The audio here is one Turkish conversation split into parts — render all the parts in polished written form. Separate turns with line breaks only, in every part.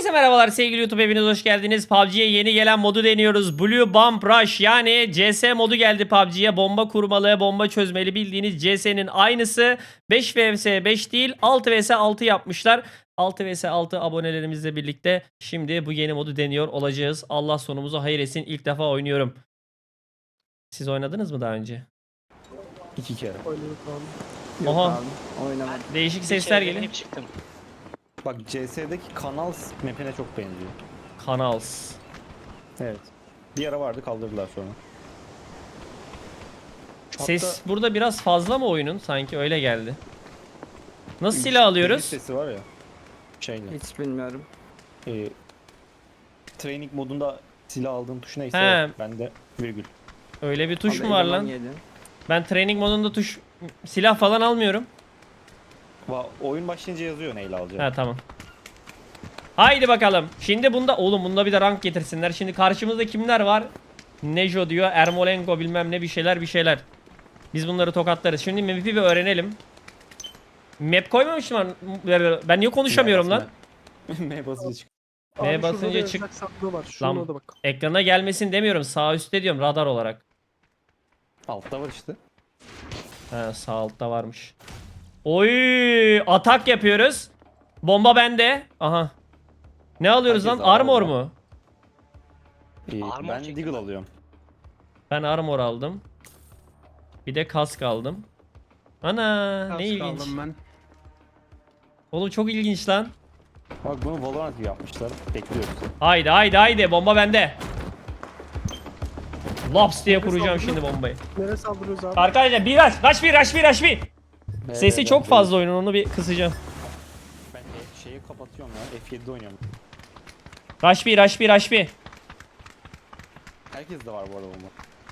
Herkese merhabalar sevgili YouTube, hepiniz hoş geldiniz. PUBG'ye yeni gelen modu deniyoruz. Blue Bomb Rush, yani CS modu geldi PUBG'ye. Bomba kurmalı, bomba çözmeli, bildiğiniz CS'nin aynısı. 5 vs 5 değil, 6 vs 6 yapmışlar. 6 vs 6 abonelerimizle birlikte şimdi bu yeni modu deniyor olacağız. Allah sonumuzu hayır etsin. İlk defa oynuyorum. Siz oynadınız mı daha önce?
2 kere.
Oynadık abi.
Yok
Oha.
abi. Oynamadım.
Değişik
Bir
sesler
kere
geliyor.
deneyip çıktım.
Bak CS'deki kanal map'ine çok benziyor.
Kanals.
Evet. Bir ara vardı, kaldırdılar sonra.
Ses burada biraz fazla mı oyunun? Sanki öyle geldi. Nasıl silah alıyoruz?
Sesi var ya. Şeyle.
Hiç bilmiyorum.
Training modunda silah aldığın tuş neyse
He.
bende virgül.
Öyle bir tuş
Abi
mu var
eleman
lan?
yedi.
Ben training modunda silah falan almıyorum.
Oyun başlayınca yazıyor neyle alacağım.
Ha tamam. Haydi bakalım. Şimdi bunda bir de rank getirsinler. Şimdi karşımızda kimler var? Nejo diyor, Ermolenko bilmem ne bir şeyler. Biz bunları tokatlarız. Şimdi map'i bir öğrenelim. Map koymamışım ben niye konuşamıyorum lan?
M basınca çık.
Neye
Abi şurada
basınca
da
çık-
yazacak sandığı var. Şuna
Lan
da bak.
ekrana gelmesin demiyorum. Sağ üstte diyorum, radar olarak.
Altta var işte.
Ha, sağ altta varmış. Oy, atak yapıyoruz. Bomba bende. Aha. Ne alıyoruz
Herkes
lan? Armor
armor.
mu?
Armor
Ben
çektim
Deagle
ben.
alıyorum.
Ben armor aldım. Bir de kask aldım. Ana, ne ilginç.
ben.
Oğlum çok ilginç lan.
Bak bunu Valorant gibi yapmışlar. Bekliyoruz.
Haydi bomba bende. Laps diye
Neresi
kuracağım
saldırıyor?
şimdi bombayı.
Nereye saldırıyoruz abi?
Arkadaşlar bir rush. Sesi çok fazla oyunun, onu bir kısacağım.
Ben şeyi kapatıyorum ya. F7'de oynuyorum.
Rush bir.
Herkes de var bu arada bomba.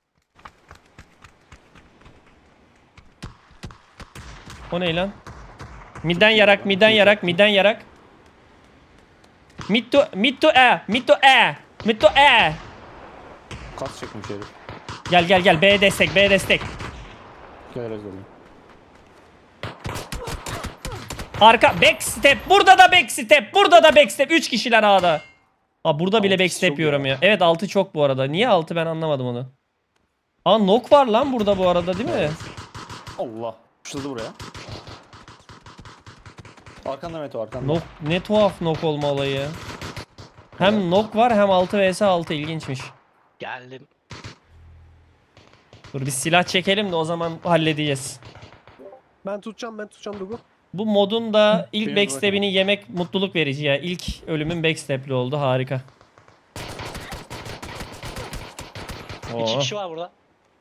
O ne lan? Midden yarak. Mid to E.
Kas çekmiş herif.
Gel B destek.
Gel özelim.
Arka backstep. Burada da backstep. 3 kişiler A'da. Aa, burada bile
Altı
backstep
çok
yiyorum ya.
ya.
Evet 6 çok bu arada. Niye 6 ben anlamadım onu. Aa, knock var lan burada bu arada, değil mi?
Allah. Şurada buraya. Arkanda Meto, arkanda.
Knock, ne tuhaf knock olma olayı. Hem knock var hem 6 vs 6, ilginçmiş.
Geldim.
Dur bir silah çekelim de o zaman halledeceğiz.
Ben tutacağım Dugu.
Bu modun da ilk
Biraz
backstep'ini yemek mutluluk verici ya. İlk ölümün backstep'li oldu, harika.
İki
Oo.
kişi var burada.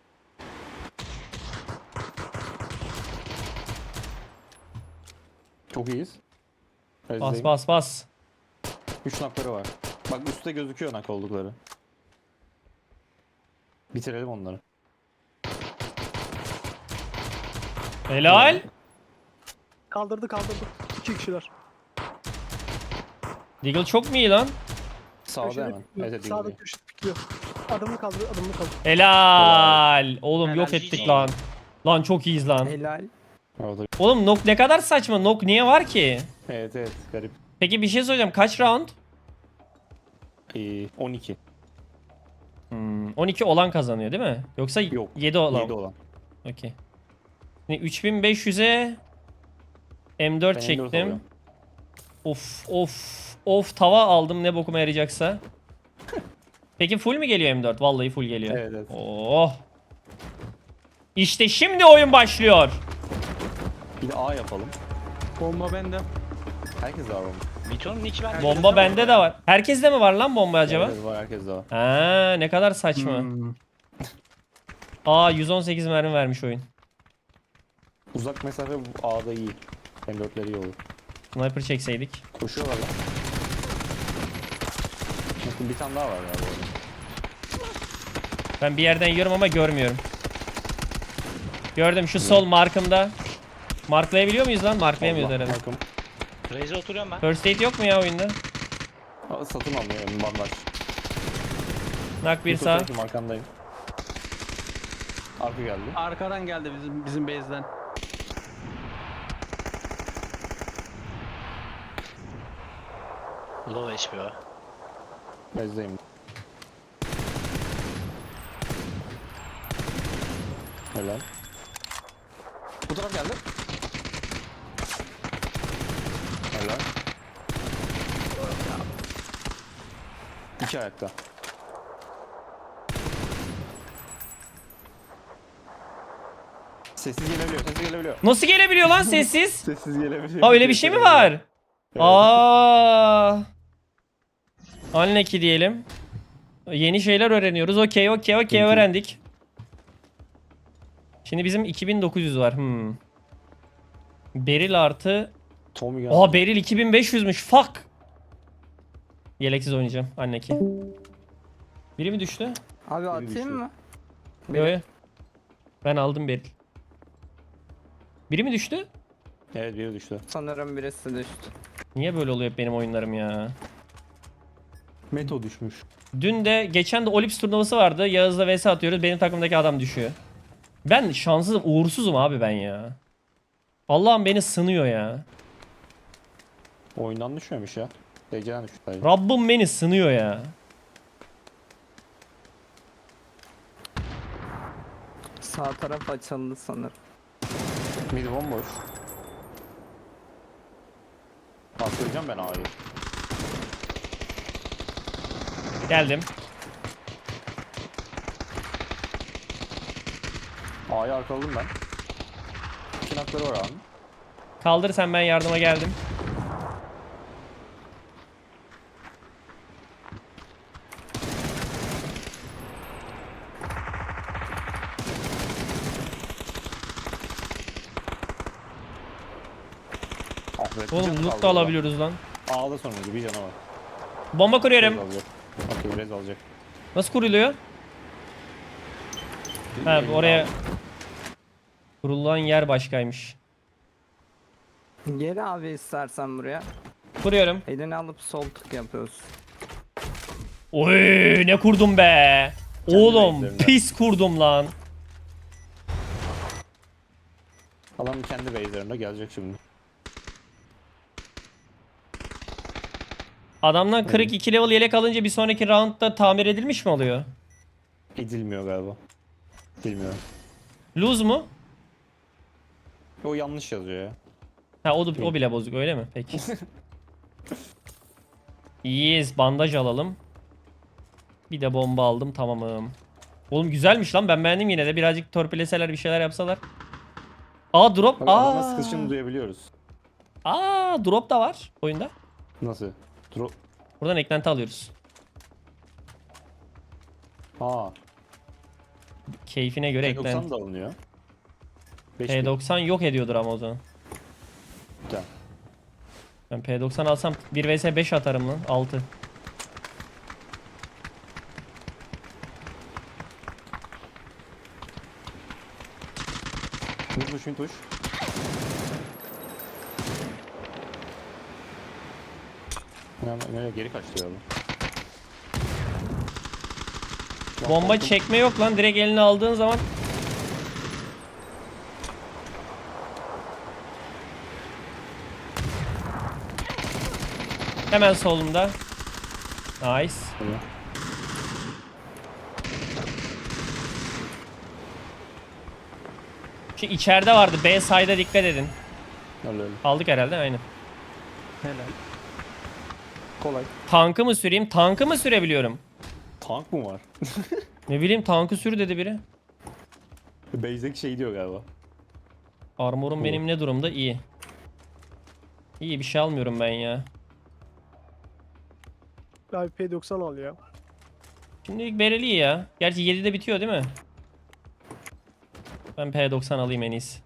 Çok iyiyiz.
Bas.
3 nakları var. Bak üstte gözüküyor nak oldukları. Bitirelim onları.
Helal.
Kaldırdı. 2 kişiler.
Deagle çok mu iyi lan?
Sağda
Köşede
hemen.
pikliyor.
Evet,
Sağda
değil.
köşede pikliyor. Adımını kaldır.
Helal. Oğlum
Helal,
yok ettik
GG.
lan. Lan çok iyiyiz lan.
Helal.
Orada.
Oğlum knock ne kadar saçma. Knock niye var ki?
Evet, garip.
Peki bir şey soracağım. Kaç round?
12.
12 olan kazanıyor değil mi? Yoksa
Yok.
7 olan.
7 olan.
Okey. Şimdi 3500'e M4
Ben M4
çektim.
alıyorum.
Of tava aldım, ne bokuma yarayacaksa. Peki full mü geliyor M4? Vallahi full geliyor.
Evet.
Oh. İşte şimdi oyun başlıyor.
Bir de A yapalım.
Bomba bende.
Herkes de var bomba.
Mito'nun nick ben.
Bomba bende de var. Herkeste mi var lan bomba acaba?
Evet, var, herkes de var.
Ha, ne kadar saçma. Aa, 118 mermi vermiş oyun.
Uzak mesafe bu A'da iyi. M4'leri iyi olur.
Sniper çekseydik.
Koşuyorlar lan. Bakın bir tane daha var ya bu arada.
Ben bir yerden yiyorum ama görmüyorum. Gördüm şu sol markımda. Marklayabiliyor muyuz lan? Marklayamıyoruz
Allah,
herhalde.
bakın.
Raze'e oturuyorum ben.
First aid yok mu ya oyunda?
Satın almıyor bandaj.
Nak bir sağ.
Arkandayım. Arka geldi.
Arkadan geldi bizim base'den.
Low HP o.
Bezdeyim. Helal. Bu taraf geldi. Helal. İki ayakta. Sessiz gelebiliyor, sessiz gelebiliyor.
Nasıl gelebiliyor lan sessiz?
Sessiz gelebiliyor.
Ha öyle bir şey mi var?
Evet.
Anleki diyelim. Yeni şeyler öğreniyoruz. Okey
Peki.
öğrendik. Şimdi bizim 2900 var. Beril artı.
Tommy
Oha Beril 2500'müş. Fuck. Yeleksiz oynayacağım. Anneki. Biri mi düştü?
Abi
düşüyor.
atayım mı?
Yo, yo. Ben aldım Beril. Biri mi düştü?
Evet biri düştü.
Sanırım birisi düştü.
Niye böyle oluyor hep benim oyunlarım ya?
Meto düşmüş.
Dün de geçen de Olips turnuvası vardı. Yağız'la vs atıyoruz. Benim takımdaki adam düşüyor. Ben şanssızım, uğursuzum abi ben ya. Allah'ım beni sınıyor ya.
Oyundan düşmemiş ya. DC'den düşmüş sadece.
Rabbim beni sınıyor ya.
Sağ taraf açıldı sanırım.
Mid bomboş. Bastıracağım ben A'yı.
Geldim.
A'yı arkaladım ben. İki nakları var abi.
Kaldır sen, ben yardıma geldim.
Ah be, bir
Oğlum
canı
loot
kaldı
da
orada.
alabiliyoruz lan.
A'da sonuncu bir canı var.
Bomba
Rez
kuruyorum.
alacak. Okey Rez alacak.
Nasıl kuruluyor? Ha
Elini
oraya
al.
kurulan yer başkaymış.
Gel abi istersen buraya.
Kuruyorum.
Elini alıp sol tık yapıyoruz.
Oy ne kurdum be. Oğlum
base'lerinden.
pis kurdum lan.
Adam kendi base'lerinde gelecek şimdi.
Adamdan 42 level yelek alınca bir sonraki roundda tamir edilmiş mi oluyor?
Edilmiyor galiba. Bilmiyorum.
Lose mu?
O yanlış yazıyor ya.
Ha o bile bozuk öyle mi? Peki. İyiyiz, bandaj alalım. Bir de bomba aldım, tamamım. Oğlum güzelmiş lan, ben beğendim yine de. Birazcık torpileseler, bir şeyler yapsalar. Aa drop.
Bak adamın sıkışını duyabiliyoruz.
Drop da var oyunda.
Nasıl? Drop.
Buradan eklenti alıyoruz.
Aa.
Keyfine göre
P90
eklenti.
da alınıyor. 5
P90 yok ediyordur ama o zaman.
Güzel.
Ben P90 alsam 1 vs 5 atarım lan. 6.
Mid tuş. Nereye geri kaçtı ya bu?
Bomba
Korktum.
çekme yok lan. Direkt eline aldığın zaman. Hemen solumda. Nice.
Tamam.
Şu içeride vardı. B side'a dikkat edin.
Öyle öyle.
Aldık herhalde, aynen.
Helal.
Kolay.
Tankı mı süreyim? Tankı mı sürebiliyorum?
Tank mı var?
Ne bileyim, tankı sür dedi biri.
Base'deki şey diyor galiba.
Armorum benim ne durumda? İyi. İyi, bir şey almıyorum ben ya.
Abi P90 al ya.
Şimdilik bereli ya. Gerçi 7'de bitiyor değil mi? Ben P90 alayım en iyisi.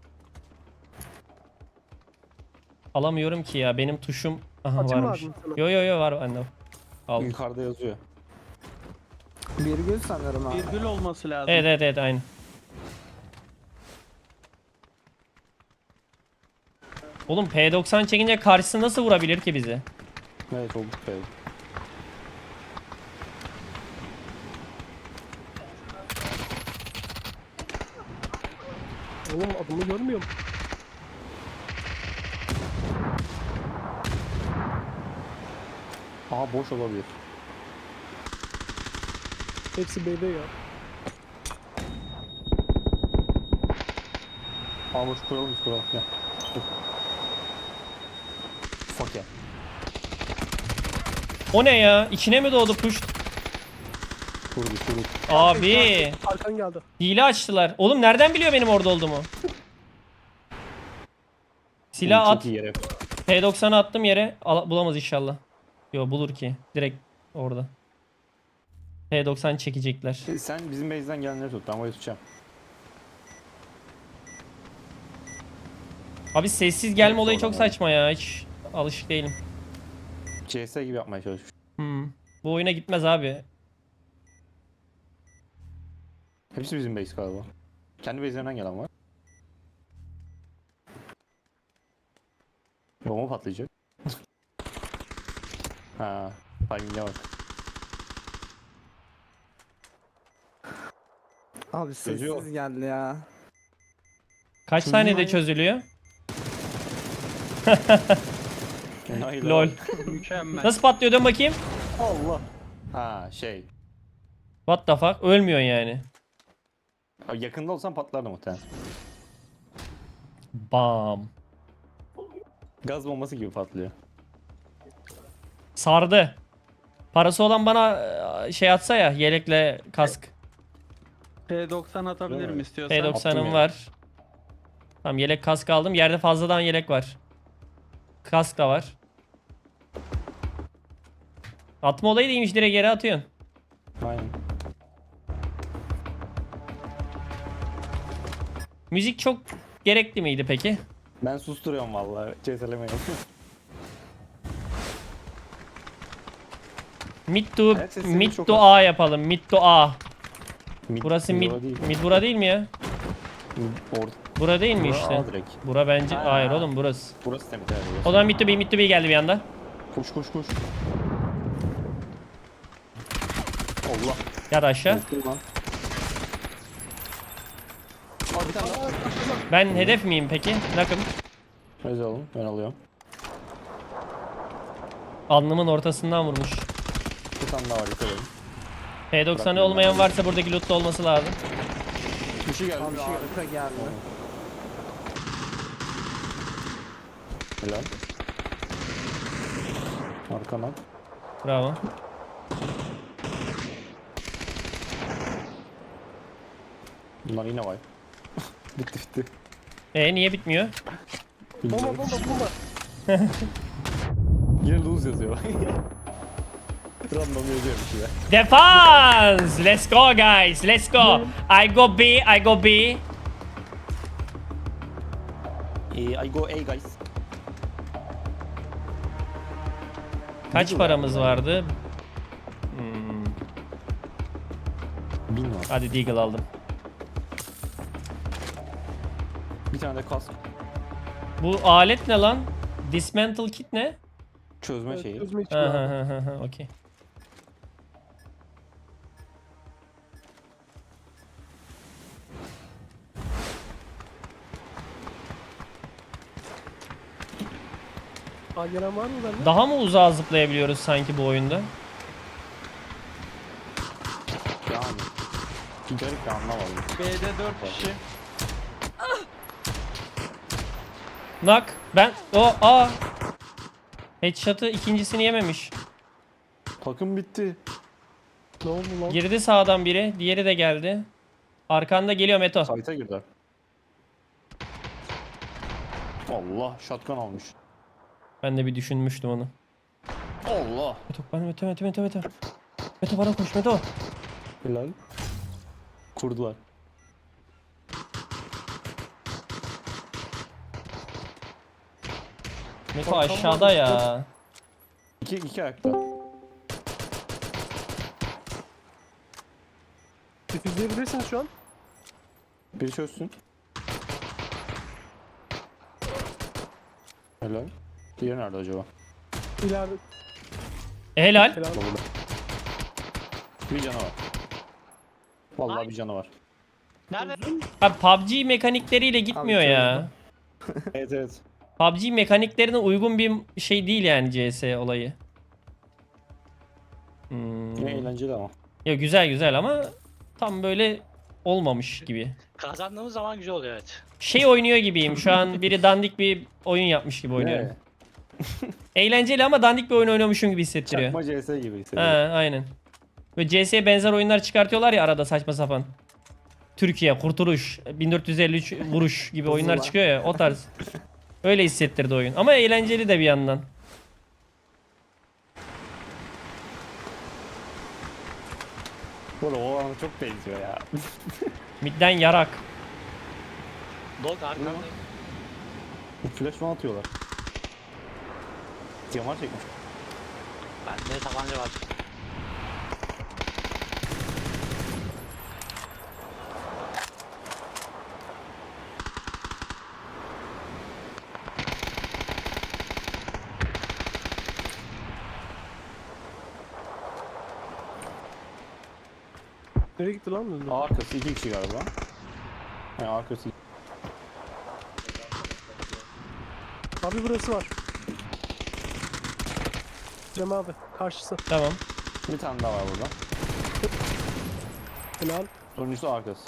Alamıyorum ki ya. Benim tuşum
Atayım mı
varmış.
abi sana?
Yo var bende. Al.
Yukarıda yazıyor.
Virgül sanırım abi.
Virgül olması lazım.
Evet aynı. Oğlum P90 çekince karşısı nasıl vurabilir ki bizi?
Evet çok güzel.
Oğlum adımı görmüyorum.
Aa boş olabilir.
Hepsi B'de ya.
Aa boş kuralım biz kuralım. Gel. Dur. Fuck ya.
O ne ya? İçine mi doğdu push?
Kurdu.
Abi.
Arkan geldi.
Hile açtılar. Oğlum nereden biliyor benim orada olduğumu? Silah
Çok
at.
iyi yere.
P90'ı attım yere. Bulamaz inşallah. Yo bulur ki. Direkt orada. P90 çekecekler.
Sen bizim base'den gelenleri tut. Ben burayı tutacağım.
Abi sessiz gelme
Evet,
olayı çok
oradan var.
saçma ya. Hiç alışık değilim.
CS gibi yapmaya çalışmış.
Bu oyuna gitmez abi.
Hepsi bizim base galiba. Kendi base'lerinden gelen var. Bomba patlayacak. Ha, timing'e bak.
Abi
Çözüyor.
sessiz geldi ya.
Kaç
Çözüyor
saniyede
ya.
çözülüyor?
Enayi
Lol.
lan.
Mükemmel.
Nasıl patlıyor dön bakayım.
Allah. Ha şey.
What the fuck? Ölmüyorsun yani.
Abi yakında olsan patlardı muhtemelen.
Bam.
Gaz bombası gibi patlıyor.
Sardı. Parası olan bana şey atsa ya yelekle kask.
P90 atabilirim
mi?
istiyorsan.
Attım
P90'ım
ya.
var. Tamam yelek kask aldım. Yerde fazladan yelek var. Kask da var. Atma olayı değilmiş, direkt yere atıyorsun.
Aynen.
Müzik çok gerekli miydi peki?
Ben susturuyorum vallahi. CS'lemeyi.
Mid to,
Evet, sesimiz
mid
çok
to
az.
A yapalım. Mid to A. Burası mid,
Bura değil.
mid bura değil mi ya?
Orada.
Bura değil mi
Bura
işte?
A direkt.
Bura bence
Ha.
hayır oğlum burası.
Burası temiz. Evet, burası.
O zaman mid to B geldi bir anda.
Koş. Allah.
Yat aşağı.
Korktum lan. Aa bir tane daha.
Ben hedef miyim peki? Nakım.
Öyle oğlum. Ben alıyorum.
Alnımın ortasından vurmuş.
Bir tane daha var yukarı.
P90'ı olmayan varsa buradaki lootta olması lazım.
Bir şey geldi.
Abi
Bir şey geldi.
arka geldi.
Helal. Arkana.
Bravo.
Bunlar yine var. bitti.
Niye bitmiyor?
Bomba.
Yine lose yazıyor. Random yazıyor bir şeyler.
Defense! Let's go guys, let's go. I go B.
I go A guys.
Kaç
Middle
paramız
var.
vardı?
1000 var.
Hadi Deagle aldım.
Bir tane de kask.
Bu alet ne lan? Dismantle kit ne?
Çözme şeyi.
Çözme için
Ha
abi.
ha ha ha okey.
Aa, gelen var mı bende?
Daha mı uzağa zıplayabiliyoruz sanki bu oyunda?
Yani. Bir garip bir anlamadım.
B'de 4 kişi.
Nak. Ben aa. Headshot'ı ikincisini yememiş.
Takım bitti.
Ne oldu lan?
Girdi sağdan biri, diğeri de geldi. Arkanda geliyor Meto.
Site'a girdi. Allah shotgun almış.
Ben de bir düşünmüştüm onu.
Allah.
Meto. Meto bana koş Meto.
Helal. Kurdular.
Meto aşağıda ya.
İki ayakta.
Difüzleyebilirsiniz şu an.
Biri çözsün. Helal. Diğeri nerede acaba?
İleride.
Helal.
Helal.
Burada. Bir canı var. Vallahi bir canı var.
Nerede?
Abi PUBG mekanikleriyle gitmiyor
Abi
ya.
Evet.
PUBG mekaniklerine uygun bir şey değil yani CS olayı.
Yine eğlenceli ama.
Ya güzel güzel ama tam böyle olmamış gibi.
Kazandığımız zaman güzel oluyor evet.
Şey oynuyor gibiyim. Şu an biri dandik bir oyun yapmış gibi oynuyorum.
Ne?
Eğlenceli ama dandik bir oyun oynuyormuşum gibi hissettiriyor.
Çakma CS gibi
Ha,
hissediyorum.
aynen. Ve CS'ye benzer oyunlar çıkartıyorlar ya arada saçma sapan. Türkiye, Kurtuluş, 1453 vuruş gibi oyunlar
Zula.
çıkıyor ya o tarz. Öyle hissettirdi oyun. Ama eğlenceli de bir yandan.
Bu arada o alana çok benziyor ya.
Midden yarak.
Dog arkandayım.
Flash falan atıyorlar. Yamar çekmiş.
Bende tabanca var.
Nereye gitti lan? Öldü.
A arkası 2 kişi galiba. Yani arkası
Abi burası var. Cem abi karşısı.
Tamam.
bir tane daha var burada.
Helal.
Sonuncusu arkası.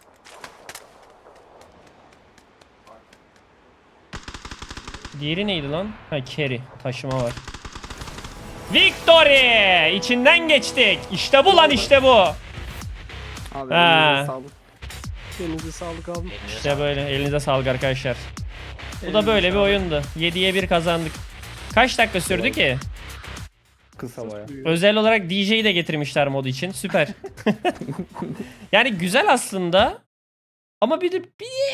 Diğeri neydi lan? Ha carry. Taşıma var. Victory! İçinden geçtik. İşte bu lan işte bu.
Abi
Ha.
elinize sağlık.
Elinize sağlık abi.
Elinize
İşte
sağlık.
böyle. Elinize sağlık arkadaşlar. Bu da
Elinize
böyle bir
sağlık.
oyundu. 7'ye 1 kazandık. Kaç dakika sürdü ki?
Kısa baya.
Özel olarak DJ'yi de getirmişler modu için. Süper. Yani güzel aslında. Ama bir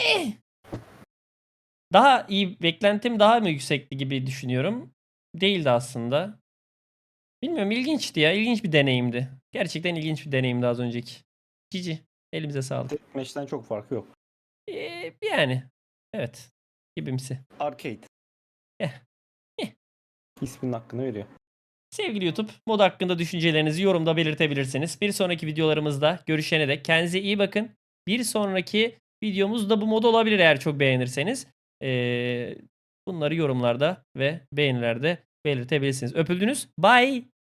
daha iyi, beklentim daha mı yüksekti gibi düşünüyorum. Değildi aslında. Bilmiyorum, ilginçti ya. İlginç bir deneyimdi. Gerçekten ilginç bir deneyimdi az önceki. Cici. Elimize sağlık.
Meşten çok farkı yok.
Yani. Evet. Gibimsi.
Arcade.
Eh.
İsminin hakkını veriyor.
Sevgili YouTube, mod hakkında düşüncelerinizi yorumda belirtebilirsiniz. Bir sonraki videolarımızda görüşene dek kendinize iyi bakın. Bir sonraki videomuz da bu mod olabilir eğer çok beğenirseniz. Bunları yorumlarda ve beğenilerde belirtebilirsiniz. Öpüldünüz. Bye.